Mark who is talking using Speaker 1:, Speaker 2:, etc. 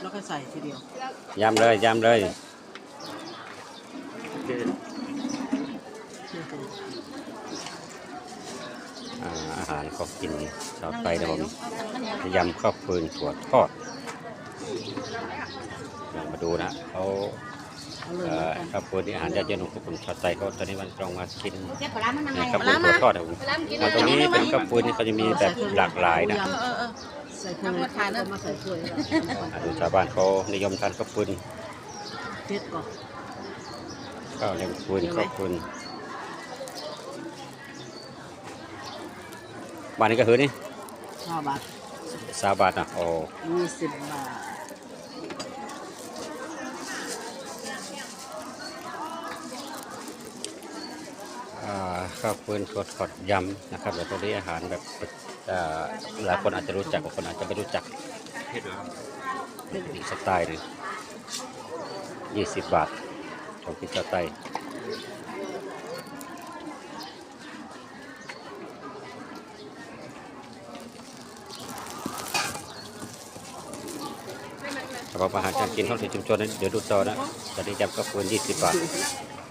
Speaker 1: แล้วก็ใส่ทีเดียวย
Speaker 2: ำเลยยำเลยอาหารเขากินชาวไทยนะผมยำข้าวฟืนถั่วทอดมาดูนะเขาข้าวฟืนที่อาหารยอดเยี่ยมของคนชาวไทยเขาตอนนี้มันต้องมากินข้าวฟืนถั่วทอดนะผมตรงนี้เป็นข้าวฟืนที่เขาจะมีแบบหลากหลายนะ
Speaker 1: ใส่ถ้วยทานแล้วมาใส่ถ้วย
Speaker 2: ดูชาวบ้านเขานิยมทานข้าวฟืน
Speaker 1: เผ็ดก่อน
Speaker 2: ข้าวเลี้ยงฟืนข้าวฟืนบ้านนี้ก็คือนี่
Speaker 1: 20 บาท
Speaker 2: 20 บาทนะโอ้
Speaker 1: 20 บาท
Speaker 2: ข้าวฟืนสดขอดยำนะครับแล้วก็ได้อาหารแบบหลายคนอาจจะรู้จักบางคนอาจจะไม่รู้จักอีกสไตล์หนึ่ง20 บาทของพิซซ่าไทยสำหรับอาหารการกินของชุมชนนั้นเดี๋ยวดูต่อนะตอนนี้ยำข้าวฟืน20 บาท